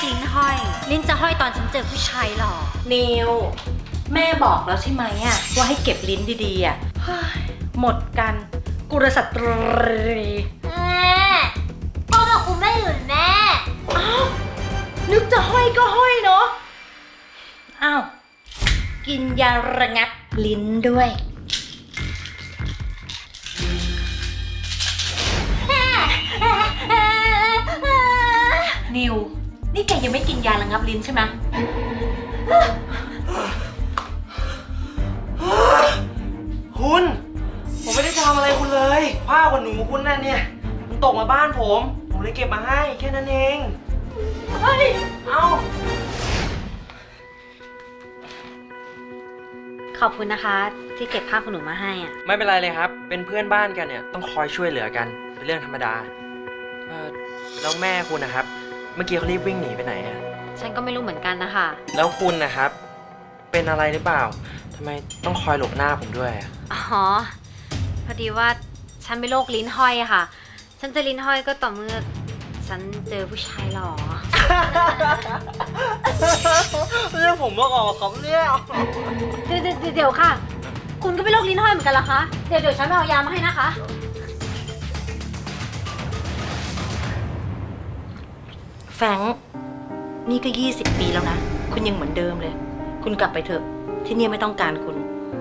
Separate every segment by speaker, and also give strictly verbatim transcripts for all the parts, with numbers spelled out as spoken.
Speaker 1: ลิ้นห้อยลิ้นจะห้อยตอนฉันเจอผู้ชายหรอ
Speaker 2: นิวแม่บอกแล้วใช่ไหมอะว่าให้เก็บลิ้นดีๆอะหมดกันกุลสตรี
Speaker 1: แม่พ่อบอกคุณไม่หยุดแม่
Speaker 2: อ้าวนึกจะห้อยก็ห้อยเนาะอ้าวกินยาระงับลิ้นด้วยนิวนี่แกยังไม่กินยาระงับลิ้นใช่ไหม
Speaker 3: คุณผมไม่ได้ทำอะไรคุณเลยผ้าขนหนูคุณนั่นเนี่ยมันตกมาบ้านผมผมเลยเก็บมาให้แค่นั้นเองเฮ้ยเอา
Speaker 1: ขอบคุณนะคะที่เก็บผ้าขนหนูมาให้อ่ะ
Speaker 3: ไม่เป็นไรเลยครับเป็นเพื่อนบ้านกันเนี่ยต้องคอยช่วยเหลือกันเป็นเรื่องธรรมดาเออแล้วแม่คุณนะครับเมื่อกี้เขารีบวิ่งหนีไปไหนอะ
Speaker 1: ฉันก็ไม่รู้เหมือนกันนะคะ
Speaker 3: แล้วคุณนะครับเป็นอะไรหรือเปล่าทำไมต้องคอยหลบหน้าผมด้วยอะ
Speaker 1: อ๋อพอดีว่าฉันเป็นโรคลิ้นห้อยอะค่ะ ฉันจะลิ้นห้อยก็ต่อเมื่อฉันเจอผู้ชายหล่อ
Speaker 3: เรื่องผมมาออกครับเนี่ย
Speaker 1: เดี๋ยวเดี๋ยวค่ะคุณก็เป็นโรคลิ้นห้อยเหมือนกันเหรอคะเดี๋ยวเดี๋ยวฉันไปเอายามาให้นะคะ
Speaker 2: แฟรงค์นี่ก็ยี่สิบปีแล้วนะคุณยังเหมือนเดิมเลยคุณกลับไปเถอะที่นี่ไม่ต้องการคุณ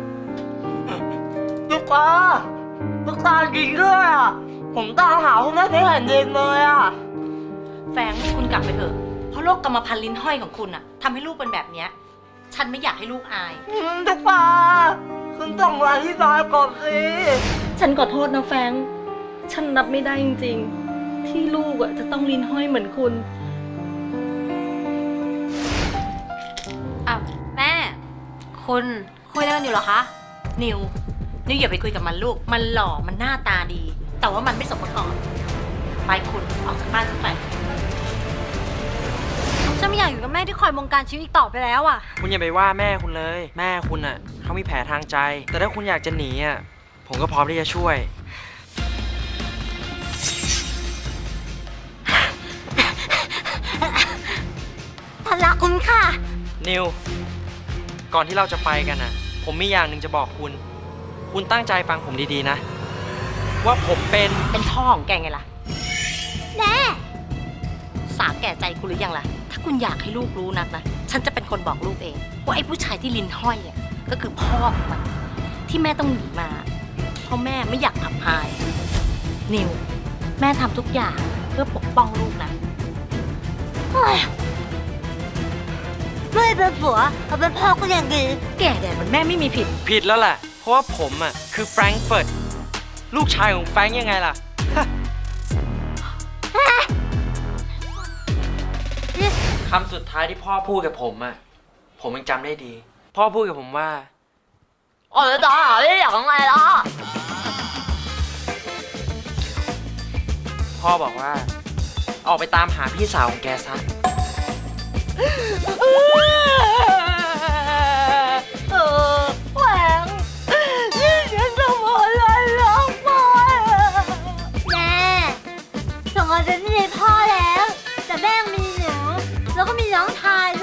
Speaker 3: ลูกตาลูกตาจริงด้วยอ่ะผมตามหาคุณแม่ที่แผ่นดินเลยอ่ะ
Speaker 2: แฟรงค์คุณกลับไปเถอะเพราะโรคกรรมพันธุ์ลิ้นห้อยของคุณอะทำให้ลูกเป็นแบบเนี้ยฉันไม่อยากให้ลูกอาย
Speaker 3: ลูกตาคุณต้องมาที่บ้านก่อนสิ
Speaker 2: ฉันขอโทษนะแฟรงค์ฉันรับไม่ได้จริงๆที่ลูกอะจะต้องลิ้นห้อยเหมือนคุณ
Speaker 1: อ้าวแม่คุณคุยอะไรกันอยู่เหรอคะ
Speaker 2: นิวนิวอย่าไปคุยกับมันลูกมันหล่อมันหน้าตาดี แต่ว่ามันไม่สมประกอบไปคุณออกจากบ้านฉันไป
Speaker 1: ฉันไม่อยากอยู่กับแม่ที่คอยบงการชีวิตอีกต่อไปแล้วอ่ะ
Speaker 3: คุณอย่าไปว่าแม่คุณเลยแม่คุณอ่ะเขามีแผลทางใจแต่ถ้าคุณอยากจะหนีอ่ะผมก็พร้อมที่จะช่วย
Speaker 1: ฉันรักคุณค่ะ
Speaker 3: นิวก่อนที่เราจะไปกันอ่ะผมมีอย่างหนึ่งจะบอกคุณคุณตั้งใจฟังผมดีๆนะว่าผมเป็น
Speaker 2: เป็นพ่อของแกไงล่ะ
Speaker 1: แน่
Speaker 2: สาแก่ใจคุณหรือยังล่ะถ้าคุณอยากให้ลูกรู้นักนะฉันจะเป็นคนบอกลูกเองว่าไอ้ผู้ชายที่ลิ้นห้อยอ่ะก็คือพ่อของมันที่แม่ต้องหนีมาเพราะแม่ไม่อยากอับอายนิวแม่ทำทุกอย่างเพื่อปกป้องลูกนะ
Speaker 1: ไม่เป็นผัวแต่เป็นพ่อก็ยังดี
Speaker 2: แก่แดดมันแม่ไม่มีผิด
Speaker 3: ผิดแล้วแหละเพราะว่าผมอ่ะคือแฟรงก์เฟิร์ตลูกชายของแฟรงก์ยังไงล่ะคำสุดท้ายที่พ่อพูดกับผมอ่ะผมยังจำได้ดีพ่อพูดกับผมว่า
Speaker 1: อ๋อต่อไม่อยากทำไงล่ะ
Speaker 3: พ่อบอกว่าออกไปตามหาพี่สาวของแกซะ
Speaker 1: เออแหวงนี่ฉันทำอะไรลงไปแม่ถึงอาจจะมีพ่อแล้วแต่แม่มีหนูแล้วก็มีน้องชาย